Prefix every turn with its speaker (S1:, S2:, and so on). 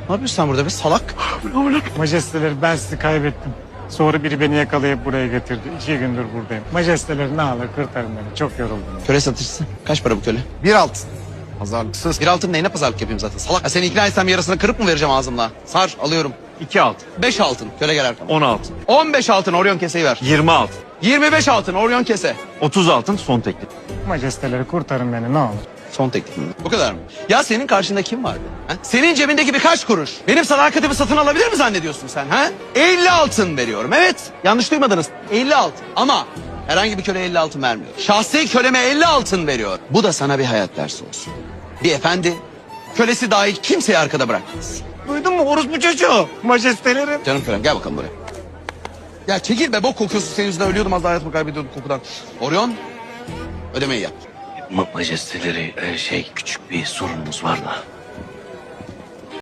S1: Ne yapıyorsun sen burada be salak?
S2: Majesteleri ben sizi kaybettim. Sonra biri beni yakalayıp buraya getirdi. 2 gündür buradayım. Majesteleri ne alır kurtarın beni. Çok yoruldum.
S1: Köle satıcısı. Kaç para bu köle?
S3: Bir altın. Pazarlıksız.
S1: Bir altın neyine pazarlık yapayım zaten salak. Ya seni ikna etsem yarısını kırıp mı vereceğim ağzımla? Sar alıyorum.
S4: 2 altın.
S1: 5 altın. Köle gel arkama.
S4: 10 altın.
S1: 15 altın Orion keseyi ver.
S4: 20 altın.
S1: 25 altın Orion kese.
S4: 30 altın son teklif.
S2: Majesteleri kurtarın beni ne olur.
S1: Son teklif mi? Bu kadar mı? Ya senin karşında kim vardı? Ha? Senin cebindeki birkaç kuruş. Benim sadakatimi satın alabilir mi zannediyorsun sen? Ha? 50 altın veriyorum. Evet. Yanlış duymadınız. 50 altın. Ama herhangi bir köle 50 altın vermiyor. Şahsi köleme 50 altın veriyor. Bu da sana bir hayat dersi olsun. Bir efendi kölesi dahil kimseyi arkada bırakmaz.
S2: Duydun mu orospu çocuğu? Majesteleri.
S1: Canım kölem gel bakalım buraya. Ya çekil be bok kokuyorsun senin yüzünden ölüyordum az daha hayatımı kaybediyordum kokudan. Orion ödemeyi yap.
S5: Majesteleri küçük bir sorunumuz var da.